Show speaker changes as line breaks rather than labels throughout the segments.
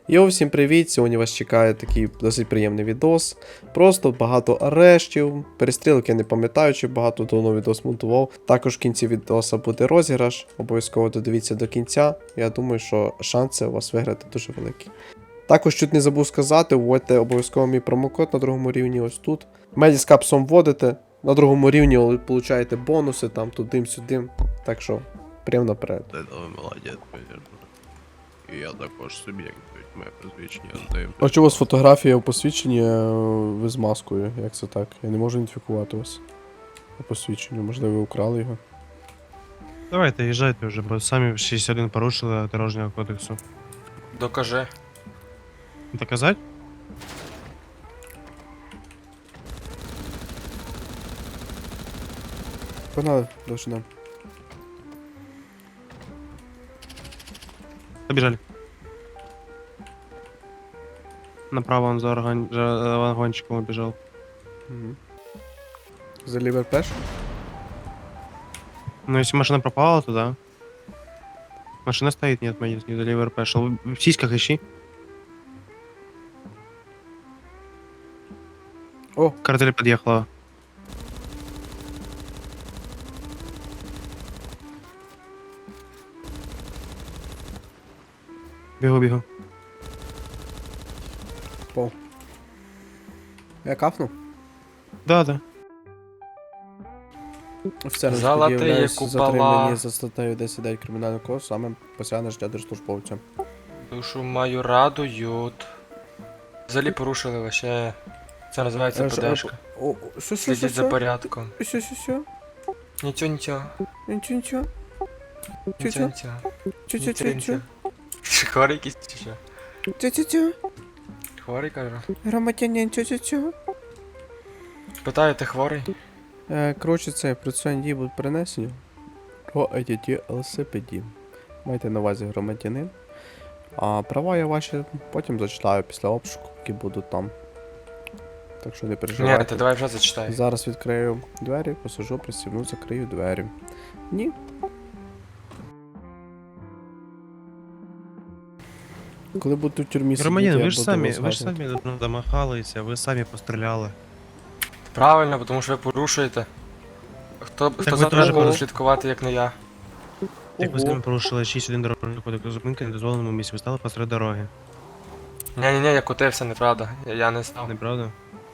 Йоу, всім привіт! Сьогодні вас чекає такий досить приємний відос. Просто багато арештів, перестрілок я не пам'ятаю, чи багато давно відос монтував. Також в кінці відоса буде розіграш, обов'язково додивіться до кінця. Я думаю, що шанси у вас виграти дуже великі. Також чуть не забув сказати, вводьте обов'язково мій промокод на другому рівні ось тут. Меді з капсом вводите, на другому рівні ви получаєте бонуси, там туди-сюди. Так що, прямо наперед.
Ти молодець, звісно. І я також суб'єкт, моє посвідчення здаю.
А чого у вас фотографія у посвідченні ви з маскою? Як це так? Я не можу ідентифікувати вас. По посвідченню, можливо, ви украли його.
Давайте, їжджайте вже, бо самі 61 порушили дорожнього кодексу.
Докажи.
Доказать?
Погнали, довжина.
Побежали. Направо он за вагончиком убежал.
Угу. За лівер пеш?
Ну, если машина пропала, то да. Машина стоит, нет, не за ливер пешл. В сиськах ищи.
О,
Картель подъехала. Бегу.
пол. Я кафнув?
Да.
Офіцером
Золотые
пред'являюсь
купола.
затримані за статтею 10 кримінального кодексу, саме посягне життя держслужбовця.
Душу мою радують. Взагалі порушили лише. Це називається ПДшка.
О,
Слідіть за порядком.
Що?
Нічого.
Нічого.
Нічого. Хворий якийсь чи що?
Чо?
Хворий, кажу.
Громадянин, чо?
Питаю, ти хворий?
Коротше, це процесуальні дії будуть перенесені по ADT LCPD. Майте на увазі громадянин. А права я ваші потім зачитаю після обшуку, які будуть там. Так що не
Ні,
переживайте.
ти давай вже зачитай.
Зараз відкрию двері, посажу, пристібну, закрию двері. Ні. Коли буду в тюрмі
Громадян,
сидіти,
ви
я
ж
буду
самі,
вас
ви ж
згадувати.
самі ну, домахалися, ви самі постріляли.
Правильно, тому що ви порушуєте. Хто
ви
за
теж
тобою буде
порушуєте.
слідкувати, як не я?
Як ви
Ого.
самі порушили 61 дорожнього кодексу зупинки на недозволеному місці, ви стали посеред дороги.
Ні, я котився, неправда. Я не став.
Неправда?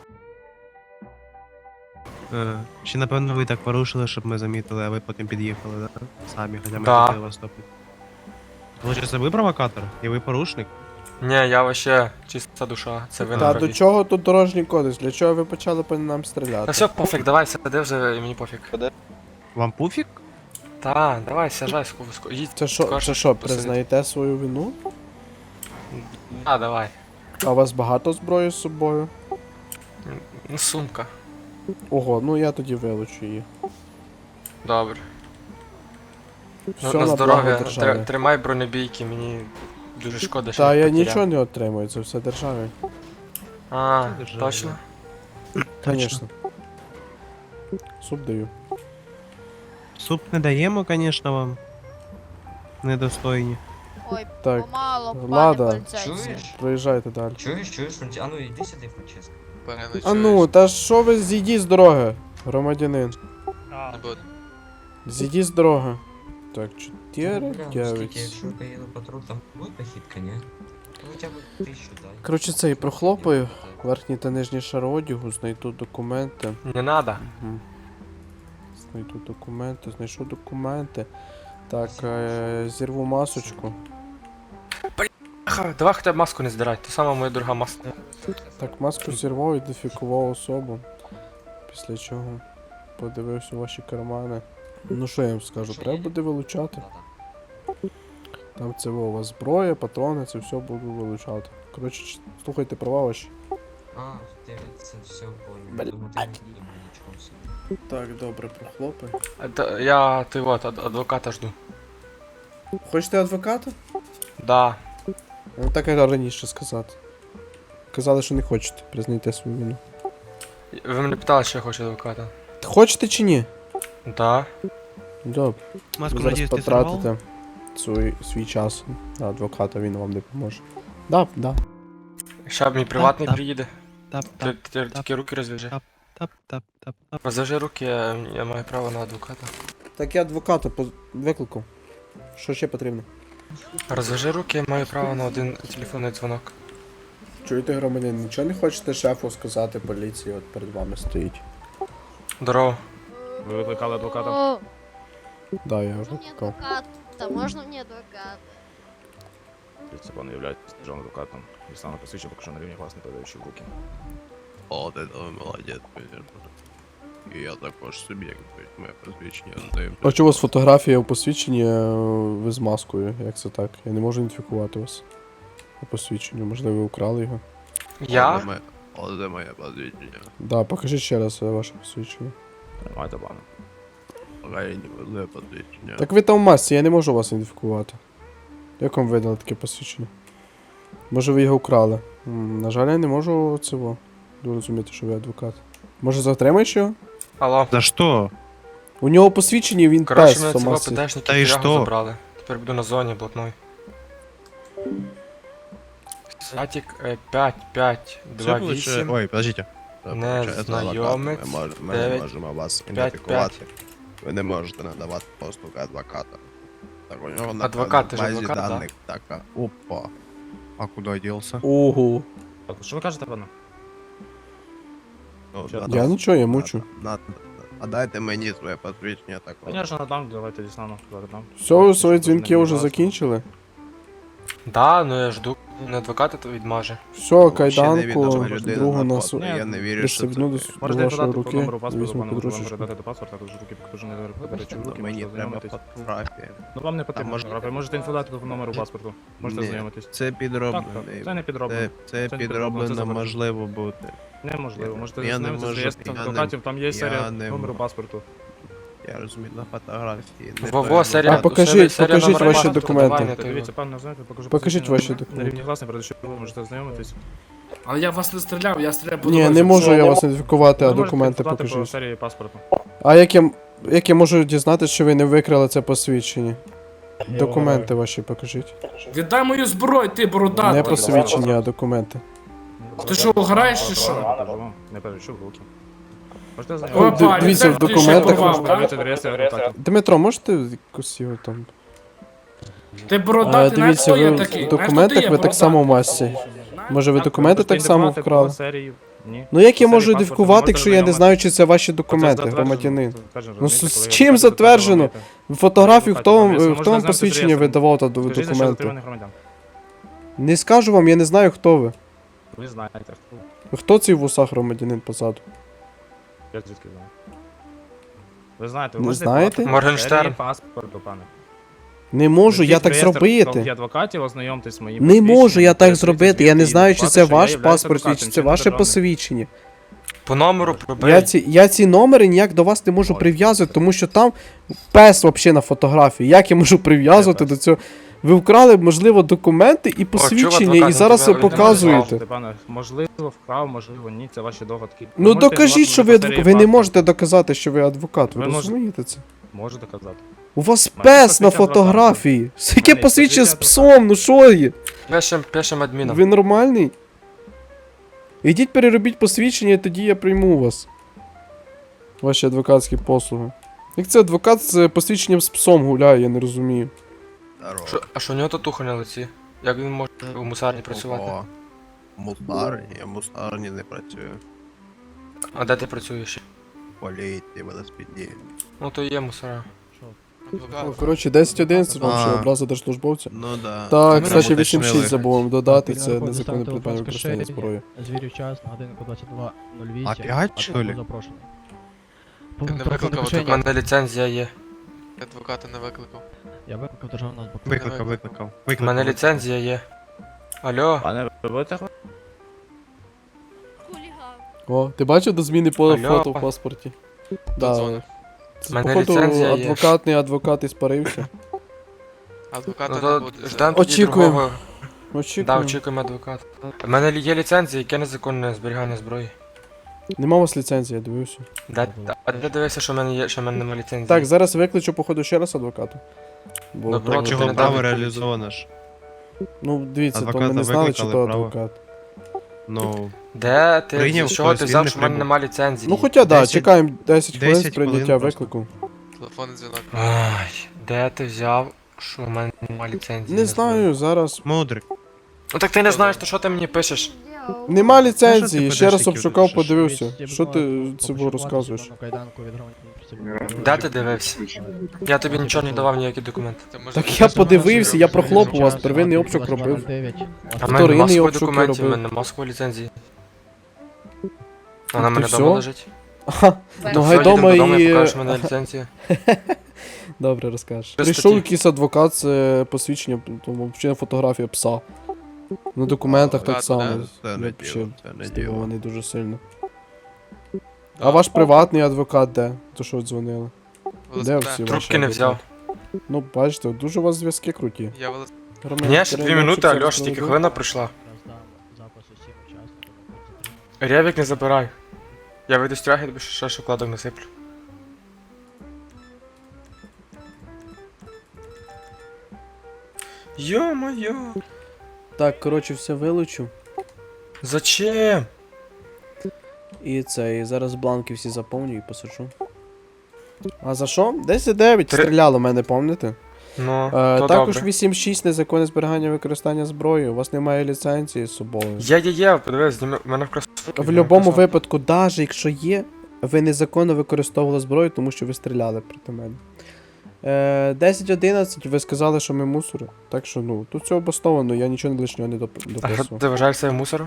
Ще напевно ви так порушили, щоб ми замітили, а ви потім під'їхали, да? Самі, хоча ми
Да.
хотіли вас стопити. Получається, ви провокатор? І ви порушник?
Ні, я вообще чиста душа. Це ви
Та
не
до чого тут дорожній кодекс? Для чого ви почали по нам стріляти?
Та все, пофіг, давай, сиди вже, і мені пофіг.
Вам пуфік?
Та, давай, сяжай, їдь.
Це що,
посидити.
признаєте свою вину?
А, давай.
А у вас багато зброї з собою?
Ну, сумка.
Ого, ну я тоді вилучу її.
Добре.
Все
На
на
здоров'я.
благо держави.
Тримай бронебійки, мені дуже шкода, що
Та я
потеряв.
нічого не отримую, це все державі.
А,
Це держава,
точно?
Конечно. Суп даю.
Суп не даємо, звісно, вам. Недостойні.
Ой,
Так,
помало, пане
Лада.
поліцейський.
Чуєш?
Проїжджайте далі.
Чуєш, Франці? А ну іди сюди, Франческо.
А ну, та що ви зійдіть з дороги, громадянин?
Не буду.
Зійдіть з дороги. Так, 4,
Ну, бля,
9.
скільки, якщо поїду патруль, там буде похідка, ні? Ну, хоча б 1000 дай.
Коротше, це і прохлопаю. Верхній та нижній шар одягу, знайду документи.
Не надо.
Угу. Знайшов документи. Так, зірву масочку.
Ха, давай хоча б маску не здирай, то сама моя дорога маска.
Так, маску зірвав, ідентифікував особу. Після чого подивився ваші кармани. Ну що я вам скажу, треба буде вилучати. Там це у вас зброя, патрони, це все буду вилучати. Коротше, слухайте права ваші.
А, це все понял. Думаю, ти не діємо нічого собі.
Так, добре, прохлопай.
Я, ти от, адвоката жду.
Хочете адвоката?
Да.
Ну так я раніше сказати. Казали, що не хочете, признайте свою вину.
Ви мене питали, що я хочу адвоката.
Хочете чи ні?
Да.
Добре.
Маску,
Ви зараз
надіюсь, ти сорвав?
потратите свій час на адвоката, він вам допоможе. Да.
Ща мій приватний
Так.
приїде.
Тап,
Ти тільки руки розв'яжи.
тап, тап, тап, тап, тап.
Розв'яжи руки, я маю право на адвоката.
Так я адвоката викликав. Що ще потрібно?
Розв'яжи руки, я маю право на один телефонний дзвонок.
Чуєте, громадян, нічого не хочете шефу сказати поліції, от перед вами стоїть.
Здорово.
Ви викликали адвоката?
О,
Да, я
можно мне
викликав.
адвоката? Можно мне адвоката?
Це пане являєтесь державним адвокатом. І саме посвідчив, поки що на рівні вас не передаючи в руки.
О, ти там молодець, звісно. І я також суб'єкт, моє посвідчення здаю.
А чого у вас фотографія у посвідченні, ви з маскою? Як це так? Я не можу ідентифікувати вас. По посвідченню, можливо, ви украли його.
Я?
Оце моє посвідчення.
Да, покажіть ще раз ваше посвідчення.
Тримайте пане.
Україні возле посвідчення.
Так ви там в масці, я не можу вас ідентифікувати. Як вам видали таке посвідчення? Може ви його украли? На жаль, я не можу цього зрозуміти, що ви адвокат. Може затримаєш його?
Алло.
За що?
У нього посвідчення, він
Коротше,
пес
мене
в
цього
масці.
ПДшники
Та і
тягу
що?
забрали. Тепер буду на зоні блатной. Сатік 5528.
Ой, подождите.
Незнайомець,
Ми не
9,
можемо вас
5,
ідентифікувати. Ви не можете надавати послуги адвоката. Так, у нього на
Адвокат, ти ж
базі
адвокат, да?
даних така. Опа. А куди ділся?
Ого.
Так, що ви кажете, пане?
Ну,
Я
Я нічого, я мучу.
А дайте мені своє посвідчення такого.
Конечно, надам, давайте дістану. Надам.
Все, ви свої дзвінки вже закінчили?
Да, ну я жду. Не адвоката то відмаже.
Все, кайданку, другу на
Ні,
Я не вірю, що
пристебну
це.
до
Можете
вашої
подати по
руки,
номеру паспорту,
візьму
пане, можу вам
подружечку.
передати до паспорта, також руки покажу, не передачу в руки,
Мені
можете
треба
ознайомитись.
фотографія.
Ну вам не потрібно
може-
фотографія, можете інфодати по номеру паспорту. Можете
Ні,
ознайомитись.
Це
Так,
підроблено.
так, це не підроблено.
Це
не підроблено, це
підроблено
заборонено.
можливо бути.
Неможливо, можете
Я не
ознайомитись з
можу,
реєстром
я не-
адвокатів, там є
я
серія
не
номеру
можу.
паспорту.
Я розумію, на фотографії. не
Во-во,
перебуваю.
серія.
А покажіть
серія
ваші
номера паспорту,
документи.
давай, я
Дивіться,
тобі-
пане, знаєте, покажу
Покажіть
посвідчення
ваші
на
документи.
рівні власне, передачу ви можете ознайомитись.
Але я вас не стріляв, я стріляв по
Ні,
дорозі.
не можу я вас ідентифікувати, а
Ви можете
документи
інфодати по
покажіть.
серії паспорту.
А як я можу дізнатися, що ви не викрали це посвідчення? Документи ваші покажіть.
Віддай мою зброю, ти бородатий.
Не посвідчення, а документи.
Ти що, граєш чи що?
Не передачу в руки. Можете
Опа,
ознайомитись.
Дивіться, в
ліцензію ще
документах
порвав,
Можете
так?
дивитися в реєстрі адвокатів.
Дмитро, можете якось його там.
Ти бородатий, знаєш,
Дивіться,
хто я
ви
такий?
в
Знаєш,
документах
хто ти
ви
є,
так само в
бородатий?
масці. Може ви документи
Можете
так само
ідентифікувати
вкрали?
по серії? Ні.
Ну як я
По
можу
серії паспорту
ідентифікувати,
можете
якщо я не
ознайомитись.
знаю, чи це ваші
Оце
документи,
затверджено,
громадянин?
затверджено,
Ну
розумієте,
з
коли
чим
ви
затверджено?
адвокатів
Фотографію, хто вам,
Можна
хто вам
знати
посвідчення
реєстр.
видавав та
Скажіть, що
документи?
затриманих громадян.
Не скажу вам, я не знаю, хто ви.
Ви знаєте, хто.
Хто цей в усах громадянин позаду?
Я звідки знаю. Ви знаєте, ви
Не
можете
знаєте?
подати
Моргенштерн.
серії паспорту, пане.
Не можу, я
Зайдіть в
так
реєстр
зробити.
адвокатів, ознайомтесь з моїм
Не
посвідченням,
можу я так
передивіться
зробити. Я не
звідки
знаю, чи
факт,
це
що я
ваш
являюсь
паспорт,
адвокатом,
чи
чи
це
не
ваше
державним.
посвідчення.
По номеру пробий.
Я ці номери ніяк до вас не можу прив'язувати, тому що там пес взагалі на фотографії. Як я можу прив'язувати до цього? Ви вкрали, можливо, документи і посвідчення,
адвокат,
і зараз ви
тебе
показуєте.
Можете, пане, можливо, вкрав, можливо, ні, це ваші догадки. Ви
Ну
можете
докажіть, що ви
інформувати
адвокат.
по
Ви
серії
не можете доказати, що ви адвокат. Ви
Ви можете-
розумієте це?
паспорту. Можу доказати.
У вас
Маєте
пес на
посвідчення
фотографії. Яке
Маєте
посвідчення з
посвідчення
псом? Ну що є?
Пишем адміном.
Ви нормальний? Ідіть переробіть посвідчення, і тоді я прийму вас. Ваші адвокатські послуги. Як це адвокат з посвідченням з псом гуляє, я не розумію.
Здорово.
А що у нього татуха на лиці? Як він може у мусарні працювати?
Ого. Мусарні, я в мусарні не працюю.
А де ти працюєш?
Поліції, велосипеді.
Ну то є мусора.
Ну, коротше, 10-11 вам ще
А.
образа держслужбовця.
Ну да.
Так,
Ми
кстати,
уточнили.
8-6 забув додати, це
Переходимо
незаконне
до
придбання
телефонської
використання
шеї.
зброї.
Звірю час на годинку 22.08.
Опять, що ли?
Запрошений.
Ти не
Телефонне
викликав,
У
кишені.
мене ліцензія є.
Адвоката не викликав.
Я викликав державного адвоката.
Викликав.
У мене ліцензія є. Алло.
Пане, ви будете
Хулиган.
О, ти бачив до зміни по
Алло.
фото в паспорті? Да.
Дзвонив.
Це,
Мене
походу,
ліцензія є.
адвокат іспарився.
Адвоката
Ну
не
то
буде.
ждем тоді
Очікуємо.
другого. Да,
Очікуємо.
очікуємо адвоката. У мене є ліцензія, яке незаконне зберігання зброї.
Нема у вас ліцензії, я дивився.
А де дивися, що в мене є, що в мене немає ліцензії?
Так, зараз викличу, походу, ще раз адвоката. Бо
Добре,
то-
ти
Чого
не
право
дав
реалізовано ж?
Ну, дивіться, то ми
Адвоката
не знали, чи то
викликали, право.
адвокат.
Ну,
Де ти?
Прийняв
З чого
хтось,
ти
він
взяв,
не
що в мене
прибув.
нема ліцензії?
Ну, хоча да,
10
чекаємо 10 хвилин з
10 хвилин
прийняття
просто.
виклику.
Телефонний дзвінок.
Ай, де ти взяв, що в мене нема ліцензії?
Не знаю, зараз.
мудрик.
Ну так ти не знаєш, то що ти мені пишеш?
Делал.
Нема
Ну,
ліцензії,
що ти
ще раз
подачки
обшукав,
пишеш?
подивився. Що ти цього розказуєш?
Де ти дивився? Я тобі нічого не давав, ніякі документи.
Це може
Так
бути
я
щось
подивився, я
хороше.
прохлопав вас, первинний обшук робив.
А в мене
Вторинний
нема своїх
обшук
документів, в
робив.
мене нема своєї ліцензії. Вона в
Ти
мене
всьо?
вдома лежить.
Ага, ну
Все,
гайдома
їдемо додому, я
і...
покажу, що в мене ліцензія.
Добре, розкажеш.
Без
Прийшов
статті.
якийсь адвокат з посвідченням, тому взагалі фотографія пса. На документах так
Ладно,
само.
Це не
Я
діло,
ще
це не діло.
здивований дуже сильно.
Да.
А ваш приватний адвокат де? То що дзвонили? Де
Велосипед.
всі ваші
Трубки не взяв.
адвокати? Ну, бачите, дуже у вас зв'язки круті.
Я велосипед.
Громадянин
Ні, ще 2
Кирило,
минути,
щоб це
Альош, тільки
розповідав.
хвилина прийшла. Ревік не забирай. Я вийду з тяги, тобі ще шоколадок насиплю. Йо-моє.
Так, коротше, все вилучу.
Зачем?
І це, і зараз бланки всі заповню і посаджу. А за що? 10-9
Три-
стріляло мене, пам'ятаєте?
Ну, то
Також
добре.
8-6 незаконне зберігання і використання зброї. У вас немає ліцензії з собою.
Є, подивись, зніми, в мене в кросовки.
В будь-якому випадку, навіть якщо є, ви незаконно використовували зброю, тому що ви стріляли проти мене. 10-11, ви сказали, що ми мусори. Так що, ну, тут все обосновано, я нічого лишнього не
А що
дописував.
ти вважаєш себе мусором?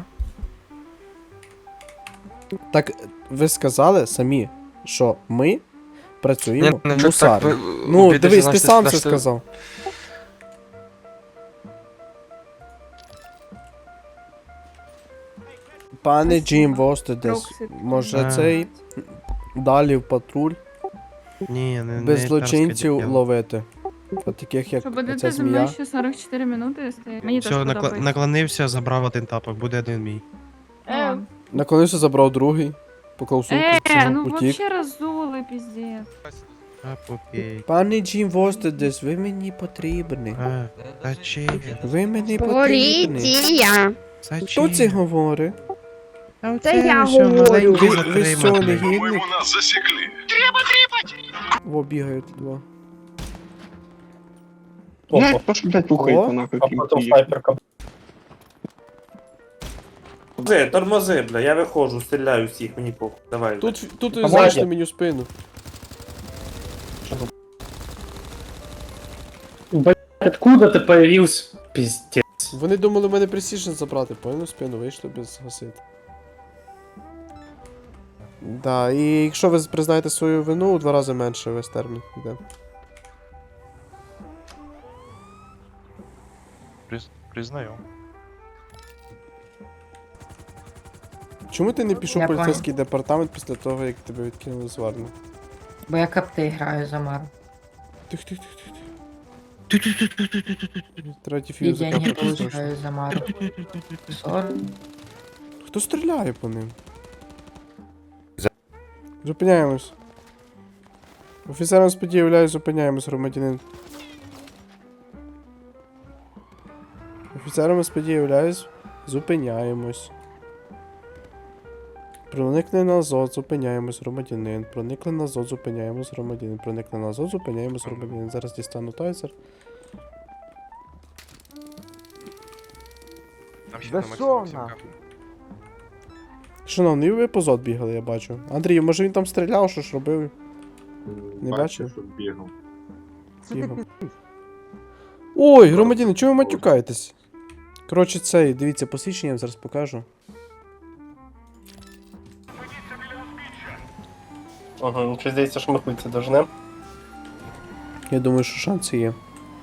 Так, ви сказали самі, що ми працюємо
Ні,
мусарі.
так,
Ну,
обідайся,
дивись, ти
значить,
сам це
значить,
сказав. Пане Джим Востедес, може
А.
цей далі в патруль
Ні, не
без
не
злочинців
царське діло.
ловити. От таких як
Що
оця
будете зі
змія.
мною ще 44 минути стояти? Мені теж
Все,
подобається.
наклонився, забрав один тапок, буде один мій.
Наклонився, забрав другий, поклав сумку,
Ну
утік.
вообще разули, пиздец.
А, окей.
Пане Джим Востедес, ви мені потрібні.
А, зачем?
Ви мені потрібні.
Поліція.
Хто це говорить?
Це я говорю.
Ви що, негідник? Во, бігають два.
Опа, що, блядь, рухається нахуй, крім снайперка.
Тормози, бля, я виходжу, стріляю всіх, мені похуй. Давай.
Тут
Помагай.
залиште мені в спину.
Откуда ти появився? Пиздец.
Вони думали мене пресішн забрати, поняли в спину, вийшли без гасити. Да, і якщо ви признаєте свою вину, у 2 рази менше весь термін йде.
Признаю.
Чому ти не пішов в
Я
поліцейський департамент після того, як тебе відкинули з Варни?
Бо я капти граю за Мару.
Тих. Третій
І
фьюз
деньги
закапав.
получаю за Мару. 40.
Хто стріляє по ним? Зупиняємось. Офіцером сподії являюсь, зупиняємось, громадянин. Офіцером сподії являюсь, зупиняємось. Проникли на ЗОД, зупиняємось, громадянин. Проникли на ЗОД, зупиняємось, громадянин. Проникли на ЗОД, зупиняємось, громадянин. Зараз дістану тайзер. Шановний, ви по ЗОД бігали, я бачу. Андрій, може він там стріляв, що ж робив? Не бачив?
бігав.
Тихо. Ой, громадяни, чого ви матюкаєтесь? Коротше, цей, дивіться, посвідчення я вам зараз покажу.
Ага, мені здається, що ми хуй це дожнем.
Я думаю, що шанси є.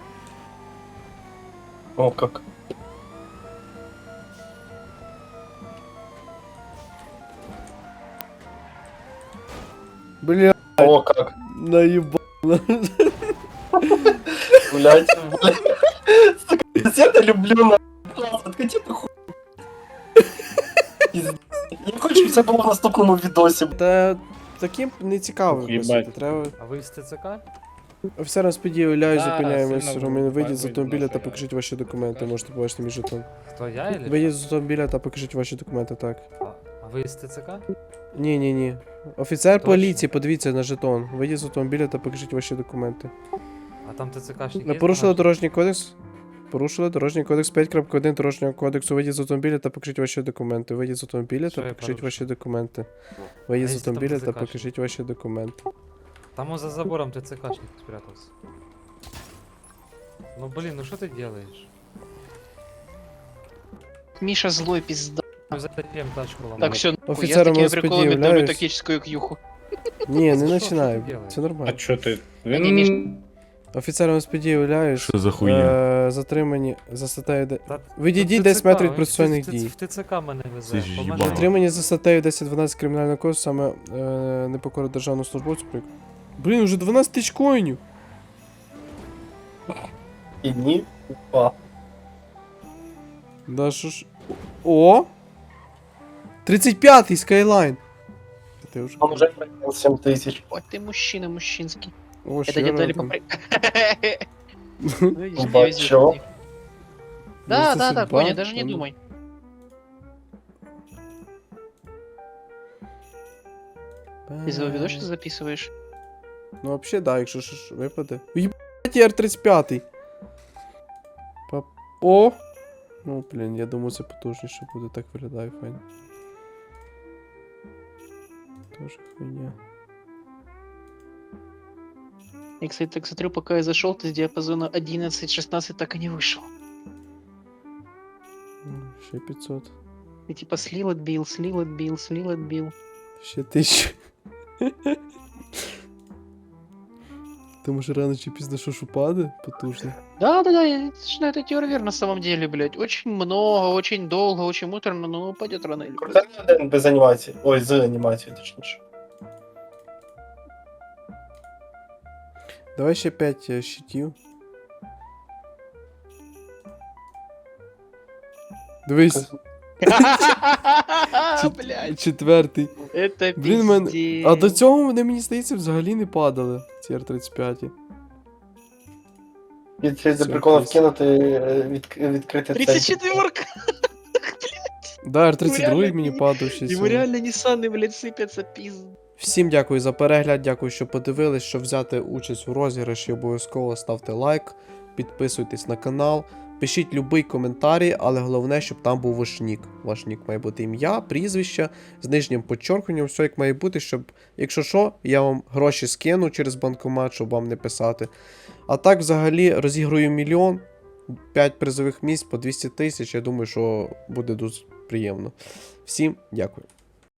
О, як.
Бля,
О, як.
наїба.
Блять, сука, я не люблю на откати ти хуй. Я хочу, щоб це було в наступному відосі.
Та таким не цікаво
Ох, їбать.
виписати, треба...
А ви з ТЦК?
Офіцерам сподіваюся,
Зараз,
зупиняємось.
сильно
Ромін, вийдіть з
вийдіть,
автомобіля та
нахуй.
покажіть ваші документи. Можете побачити мій жетон.
Хто я или?
Вийдіть з автомобіля та покажіть ваші документи, так.
А ви з ТЦК?
Ні. Офіцер
Точно?
поліції, подивіться на жетон. Вийдіть з автомобіля та покажіть ваші документи.
А там ТЦКшник
Ви
є?
порушили дорожній кодекс? Порушили дорожній кодекс 5.1 дорожнього кодексу. Вийдіть з автомобіля та покажіть ваші документи. Вийдіть з автомобіля
Що
та
я
покажіть
порушив?
ваші документи. Вийдіть з
якщо там
автомобіля та
ТЦКшник?
покажіть ваші документи.
Там он за забором ТЦКшник спрятался. Ну блин, ну что ты делаешь?
Миша злой пизда.
Мы затопим тачку ломаем.
Так, все, я
Офіцером
такими
ЛСПД
приколами давлю
являюсь.
тактическую к'юху.
Ні, не
Що
починай.
ти робиш?
Це нормально.
що ти?
Ні, Міш.
Офіцером СПД являюсь.
Що за хуйня?
Затримані за статтею...
Та-
Відійдіть
Та
10
ТЦК,
метрів від
він
процесуальних
в
дій.
В ТЦК мене везе.
Ти ж
Поможи.
їбало.
Затримані за статтею 10-12 кримінального кодексу, саме непокора державного службовцю. Блін, уже 12 тисяч коїнів.
І ні. О.
Да що ж... О! 35-й Skyline. Ти вже...
Он уже проиграл 7 тысяч. Ой, ты мужчина мужчинский.
О,
Это
ще
не дали
рядом.
попри...
Бачо.
Да,
Может,
да,
судьба?
Коня, даже не
Ну.
думай. Ты за видос что записываешь?
Ну, вообще, да, якщо ж випаде. Єбать, R35. О! Ну, блін, я думаю, це потужніше буде, так виглядає файно. Тоже хуйня.
Я, кстати, так смотрю, пока я зашел, ты с диапазона 11-16 так и не вышел.
Ще 500.
Ты типа слил, отбил, слил, отбил, слил, отбил.
Ще 1000. Тому що рано чи пізно що ж упаде, потужно.
Да, я ж на это теория на самом деле, блядь. Очень много, очень долго, очень муторно, но упадет рано или поздно.
Один без анімації. Ой, з анімацією, точніше.
Давай ще 5 щитів. Дивись,
Блядь,
четвертий.
это
Блін, мен...
пиздец.
А до цього вони, мені здається, взагалі не падали, ці R35.
Від за прикола вкинути, відкрити цей.
34-ка!
Да, R32
реально
мені
не-
падав ще
Ему
сьогодні.
реально Ниссаны, блядь, сыпятся, пиз.
Всім дякую за перегляд, дякую, що подивились. Щоб взяти участь у розіграші, обов'язково ставте лайк, підписуйтесь на канал, пишіть любий коментарі, але головне, щоб там був ваш нік. Ваш нік має бути ім'я, прізвище, з нижнім підчеркненням, все як має бути, щоб, якщо що, я вам гроші скину через банкомат, щоб вам не писати. А так, взагалі, розіграю 1 мільйон, 5 призових місць по 200 тисяч, я думаю, що буде дуже приємно. Всім дякую.